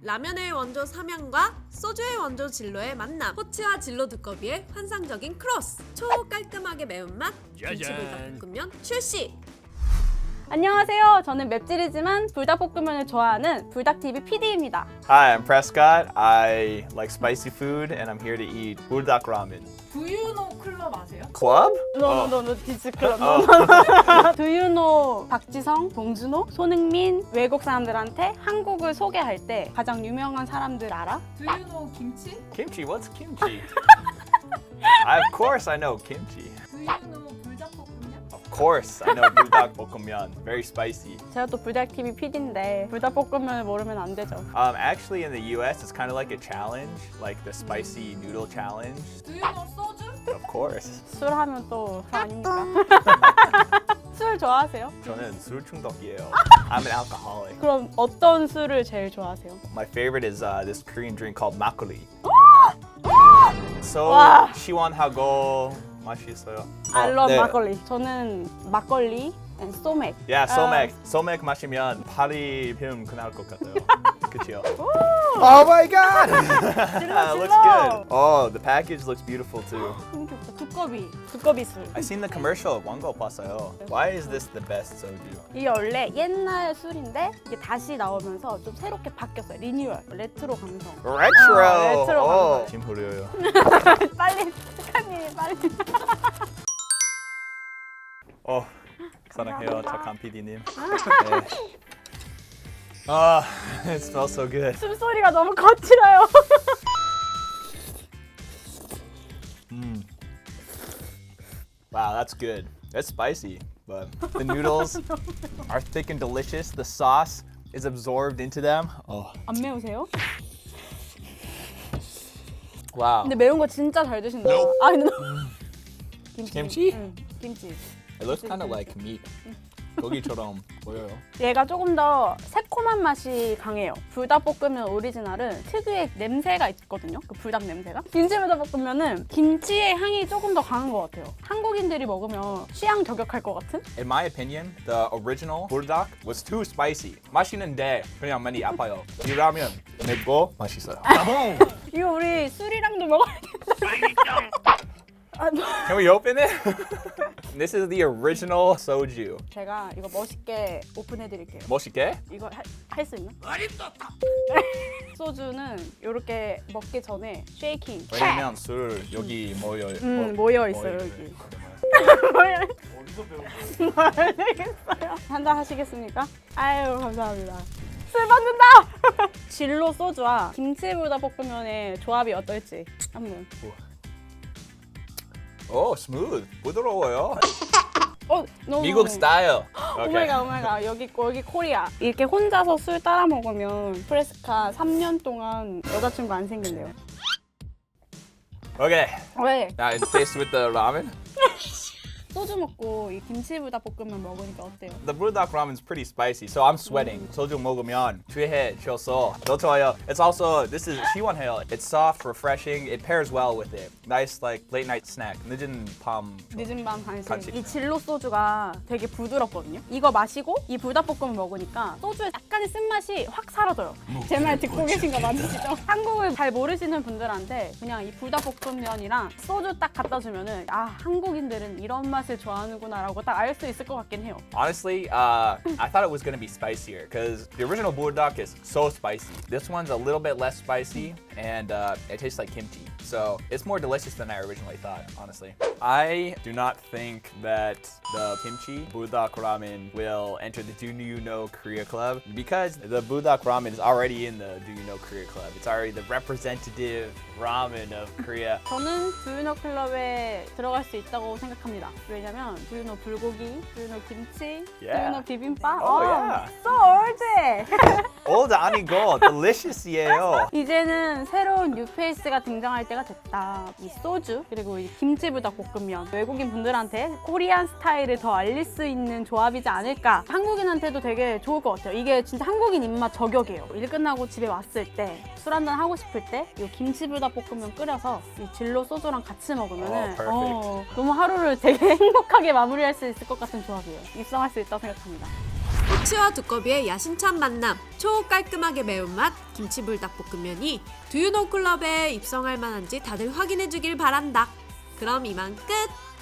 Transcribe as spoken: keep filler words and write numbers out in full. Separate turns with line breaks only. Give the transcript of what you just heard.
라면의 원조 삼양과 소주의 원조 진로의 만남. 호치와 진로 두꺼비의 환상적인 크로스. 초깔끔하게 매운맛 김치불닭볶음면 출시.
안녕하세요. 저는 맵찔이지만 불닭볶음면을 좋아하는 불닭티비 피디입니다.
Hi, I'm Prescott. I like spicy food and I'm here to eat buldak ramen.
두유노 클럽 아세요?
Club?
노노노노 디스클럽. 두유노 박지성, 봉준호, 손흥민 외국 사람들한테 한국을 소개할 때 가장 유명한 사람들 알아?
두유노 김치?
Kimchi, what's kimchi? I, of course I know kimchi.
두유노 불닭볶음면?
Of course I know buldak bokkeummyeon. Very spicy.
제가 또 불닭티비 피디인데 불닭볶음면을 모르면 안 되죠.
Um, actually in the U S it's kind of like a challenge, like the spicy noodle challenge.
두유노 소주?
Of course.
술 하면 또 술 아닙니까? 술 좋아하세요?
저는 술 중독이에요. I'm an alcoholic.
그럼 어떤 술을 제일 좋아하세요?
My favorite is uh, this Korean drink called makgeolli. So
와.
시원하고 맛있어요.
I love
네.
막걸리. 저는 막걸리 and 소맥.
Yeah,
아.
소맥. 소맥 마시면 팔이 film 끝날 것 같아요. 그치요? Oh my god!
질러,
looks
질러.
good. Oh, the package looks beautiful too.
너무 귀엽다. 두꺼비. 두꺼비 술.
I seen the commercial. 광고 봤어요. Why is this the best soju?
이게 원래 옛날 술인데 이게 다시 나오면서 좀 새롭게 바뀌었어요. 리뉴얼. 레트로 감성.
Retro.
어, 레트로
oh,
감성.
지금 흐려요.
빨리 스카님 빨리.
어, 사랑해요, 착한 피디님. 네. 아, it smells so good.
숨소리가 너무 거칠어요.
Mm. Wow, that's good. That's spicy, but the noodles are thick and delicious. The sauce is absorbed into them. Oh,
안 매우세요?
wow.
근데 매운 거 진짜 잘 드신다. 아 근데 김치.
김치?
응, 김치.
It looks kind of like meat. 고기처럼 보여요.
얘가 조금 더 새콤한 맛이 강해요. 불닭볶음면 오리지널은 특유의 냄새가 있거든요. 그 불닭 냄새가. 김치 불닭볶음면은 김치의 향이 조금 더 강한 것 같아요. 한국인들이 먹으면 취향 저격할 것 같은?
In my opinion, the original buldak was too spicy. 맛있는데 그냥 많이 아파요. 이 라면 맵고 맛있어요.
이거 우리 술이랑도 먹어야겠다. 아, 너-
Can we open it? This is the original soju.
제가 이거 멋있게 오픈해 드릴게요.
멋있게?
이거 할 수 있나? 소주는 이렇게 먹기 전에 쉐이킹.
왜냐면 술 여기 모여
음, 모여 있어요, 여기. 모여. 모르겠어요. 한잔 하시겠습니까? 아유, 감사합니다. 술 받는다! 진로 소주와 김치불닭볶음면의 조합이 어떨지 한번.
오, 스무드. 부드러워요.
어, 너무
미국 스타일.
오마이갓 오마이갓 여기 여기 코리아. 이렇게 혼자서 술 따라 먹으면 프레스카 삼 년 동안 여자친구 안 생긴대요.
Okay.
왜?
Now it tastes with the ramen.
소주 먹고 이 김치불닭볶음면 먹으니까 어때요?
The buldak ramen is pretty spicy, so I'm sweating. 소주 먹으면 취해져서 더 좋아요. It's also this is 시원해요. It's soft, refreshing. It pairs well with it. Nice like late night snack. 늦은 밤.
늦은 밤 간식.
간식.
이 진로 소주가 되게 부드럽거든요. 이거 마시고 이 불닭볶음면 먹으니까 소주의 약간의 쓴맛이 확 사라져요. 제 말 듣고 계신 거 맞으시죠? 한국을 잘 모르시는 분들한테 그냥 이 불닭볶음면이랑 소주 딱 갖다 주면은 아 한국인들은 이런 맛을 좋아하는구나라고 딱 알 수 있을 것 같긴 해요.
Honestly, uh, I thought it was gonna be spicier because the original buldak is so spicy. This one's a little bit less spicy, and uh, it tastes like kimchi. So it's more delicious than I originally thought, honestly. I do not think that the kimchi buldak ramen will enter the Do You Know Korea Club because the buldak ramen is already in the Do You Know Korea Club. It's already the representative ramen of Korea.
저는 두유노 클럽에 들어갈 수 있다고 생각합니다. 왜냐면 두유노 불고기, 두유노 김치,
Yeah.
두유노 비빔밥.
Oh,
어,
yeah.
so old.
Old 아니고 delicious이에요.
이제는 새로운 뉴페이스가 등장할 때가 됐다. 이 소주 그리고 이 김치불닭볶음면 외국인 분들한테 코리안 스타일을 더 알릴 수 있는 조합이지 않을까. 한국인한테도 되게 좋을 것 같아요. 이게 진짜 한국인 입맛 저격이에요. 일 끝나고 집에 왔을 때 술 한잔 하고 싶을 때 이 김치불닭볶음면 끓여서 이 진로 소주랑 같이 먹으면은
Oh, perfect.
어, 너무 하루를 되게 행복하게 마무리할 수 있을 것 같은 조합이에요. 입성할 수 있다고 생각합니다.
호치 호치와 두꺼비의 야심찬 만남, 초깔끔하게 매운맛 김치불닭볶음면이 두유노 클럽에 입성할 만한지 다들 확인해주길 바란다. 그럼 이만 끝!